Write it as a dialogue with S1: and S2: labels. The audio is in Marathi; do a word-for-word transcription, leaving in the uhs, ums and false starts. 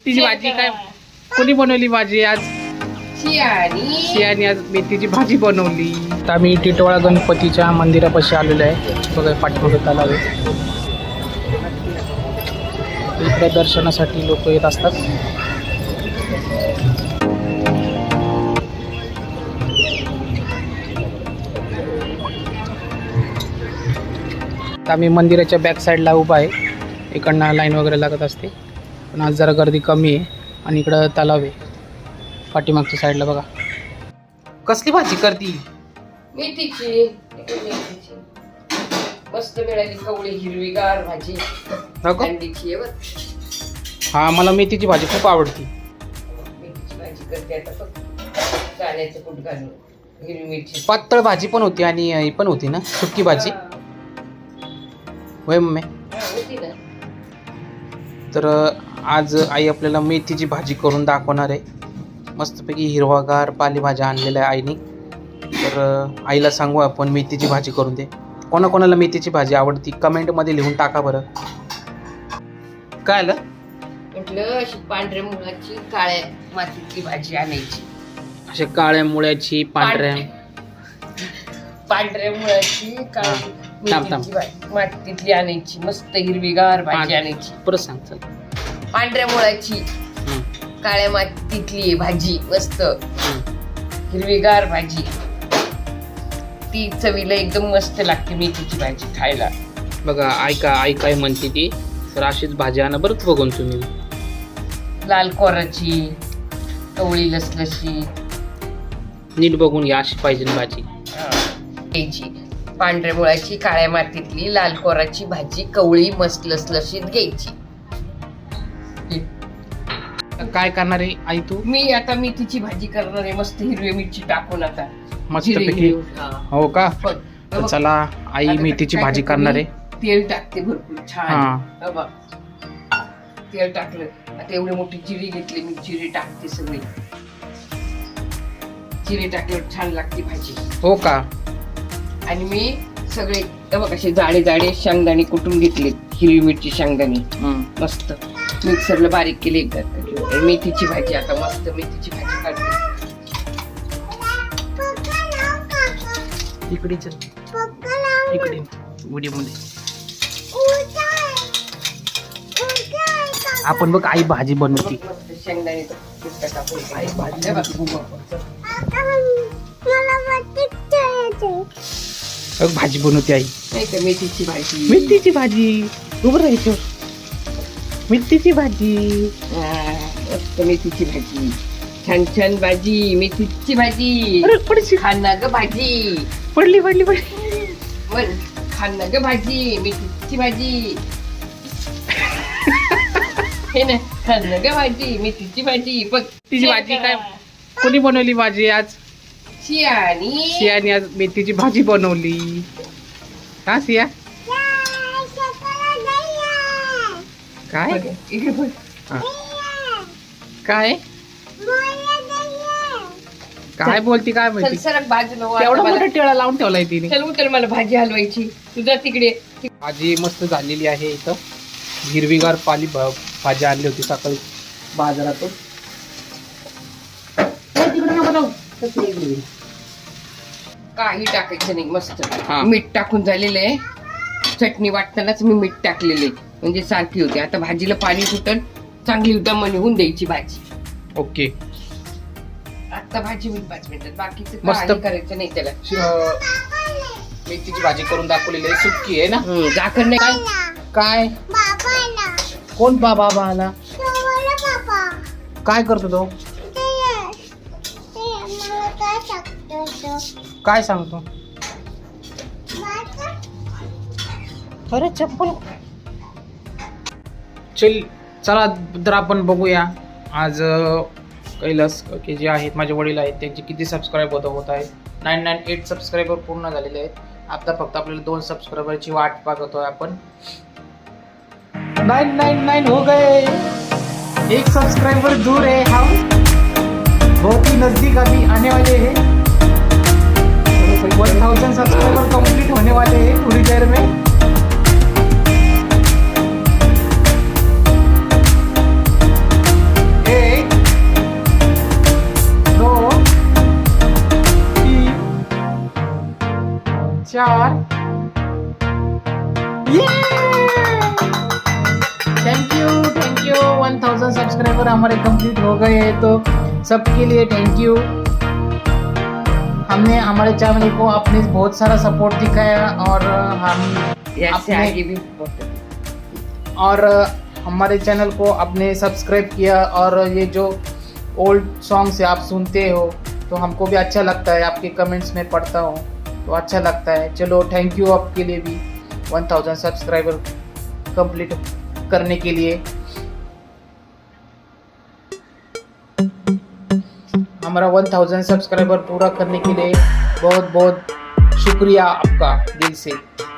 S1: तिची भाजी काय कोणी बनवली भाजी आज? शियानी आज मेथीची भाजी बनवली. तर आम्ही टिटवाळा गणपतीच्या मंदिरापाशी आलेलो आहे. बघा पाठीमागे तलाव आहे. इकडे दर्शनासाठी लोक येत असतात. आम्ही मंदिराच्या बॅक साईडला उभा आहे. इकडनं लाईन वगैरे लागत असते, पण आज जरा गर्दी कमी आहे. आणि इकडं तलाव आहे पाठीमागच्या साईडला. बघा कसली भाजी करती?
S2: मेथीची मस्त मिळाली कवळी हिरवीगार भाजी. अंडीची आहे.
S1: हा मला मेथीची भाजी खूप आवडती.
S2: मेथीची भाजी करते आता फक्त कांद्याचं कूट घालून. हिरवी मिरची
S1: पातळ भाजी पण होती आणि ही पण होती ना सुक्की भाजी. होय मम्मी.
S2: होती ना.
S1: तर आज आई आपल्याला मेथीची भाजी करून दाखवणार आहे. मस्तपैकी हिरवागार पालेभाज्या आणलेल्या आहे आईने. तर आईला सांगू आपण मेथीची भाजी करून दे. कोणाकोणाला मेथीची भाजी आवडती कमेंटमध्ये लिहून टाका बरं. काय आलं
S2: म्हटलं अशी पांढऱ्या मुळाची काळ्या मातीतली भाजी आणायची.
S1: अशा काळ्या मुळ्याची पांढऱ्या
S2: पांढऱ्या मुळाची काळी मेथीची भाजी मातीतली आणायची. मस्त हिरवीगार भाजी आणायची.
S1: परत सांग चल.
S2: पांढऱ्या मुळाची काळ्या मातीतली भाजी मस्त हिरवीगार भाजी. ती चवीला एकदम मस्त लागते मेथीची भाजी खायला.
S1: बघा आई का आई काय म्हणते ती. तर अशीच भाजी आणा बरंच बघून तुम्ही.
S2: लाल कोराची कवळी लसलशी
S1: नीट बघून घ्या. अशी पाहिजे भाजी
S2: घ्यायची. पांढऱ्या मुळाची काळ्या मातीतली लाल कोराची भाजी कवळी मस्त लसलशीत घ्यायची.
S1: काय करणार आहे आई तू?
S2: मी आता मेथीची भाजी करणार आहे मस्त हिरवी मिरची टाकून. आता
S1: मस्तपैकी. हो का? चला आई मेथीची भाजी करणार आहे.
S2: तेल टाकते भरपूर छान. बघ तेल टाकलं. आता एवढी मोठी जिरी घेतली मी. जिरे टाकते सगळी. जिरे टाकल्यावर छान लागते भाजी.
S1: हो का? आणि
S2: मी सगळे बघ असे जाडे जाडे शेंगदाणे कुटून घेतले. हिरवी मिरची शेंगदाणे मस्त मिक्सरला बारीक केले. एकदा मेथीची भाजी. आता मस्त मेथीची भाजी काढते.
S1: इकडे चल. इकडे व्हिडिओ मध्ये आपण बघ आई भाजी बनवती.
S2: शेंगदाणे
S1: आई भाजी भाजी बनवते आई.
S2: नाही का मेथीची भाजी.
S1: मेथीची भाजी उभं राहायचं. मेथीची भाजी
S2: मस्त मेथीची भाजी. छान छान भाजी मेथीची भाजी.
S1: पडशी
S2: खाना ग भाजी.
S1: पडली पडली पडली.
S2: पण खाना ग भाजी मेथीची भाजी. हे ना खाना ग भाजी मेथीची भाजी. बघ
S1: तिची भाजी काय कोणी बनवली भाजी आज?
S2: शियानी.
S1: शियानी आज मेथीची भाजी बनवली. का सिया? काय काय काय बोलती काय माहिती.
S2: सरक बाजूला
S1: एवढा मोठा टेळा लावून ठेवलाय तिने.
S2: चल उतर मला भाजी हलवायची. तुझा तिकडे
S1: भाजी मस्त झालेली आहे. इथं हिरवीगार पाली भाजी आणली होती सकाळी बाजारातून.
S2: काही टाकायचं नाही. मस्त मीठ टाकून झालेलं आहे. चटणी वाटतानाच मी मीठ टाकलेले म्हणजे सारखी होते. आता भाजीला पाणी सुटल चांगली दम निघून द्यायची भाजी.
S1: ओके.
S2: आता भाजी मी पाच मिनिटात. बाकीचं
S1: मस्त
S2: करायचं नाही त्याला.
S1: मेथीची भाजी करून दाखवलेली आहे. सुक्की आहे ना.
S2: झाकण नाही.
S1: काय कोण बाबा आला? काय करतो तो? काय सांगतो? अरे चप्पल. चल चला तर आपण बघूया आज कैलास के जे आहेत माझे वडील आहेत त्यांचे किती सबस्क्राईब होत होत आहेत. नाईन नाईन एट सबस्क्रायबर पूर्ण झालेले आहेत. आता फक्त आपल्याला दोन सबस्क्रायबरची वाट पाहतोय आपण. नाइन नाइन नाइन हो गए. एक सब्सक्राइबर दूर है हम. बहुत ही नजदीक अभी आने वाले हैं. वन थाउजेंड सब्सक्राइबर कंप्लीट होने वाले हैं थोड़ी देर में. चार। Thank you thank you one thousand subscriber हमारे कंप्लीट हो गए हैं, तो सबके लिए थैंक यू। हमने हमारे चैनल को अपने बहुत सारा सपोर्ट दिखाया और हम
S2: ऐसे
S1: अपने
S2: आगे भी बहुत-
S1: और हमारे चैनल को आपने सब्सक्राइब किया, और ये जो ओल्ड सॉन्ग्स आप सुनते हो तो हमको भी अच्छा लगता है, आपके कमेंट्स में पढ़ता हूँ तो अच्छा लगता है। चलो थैंक यू आपके लिए भी वन थाउजेंड सब्सक्राइबर कंप्लीट करने के लिए। हमारा वन थाउजेंड सब्सक्राइबर पूरा करने के लिए बहुत बहुत शुक्रिया आपका दिल से।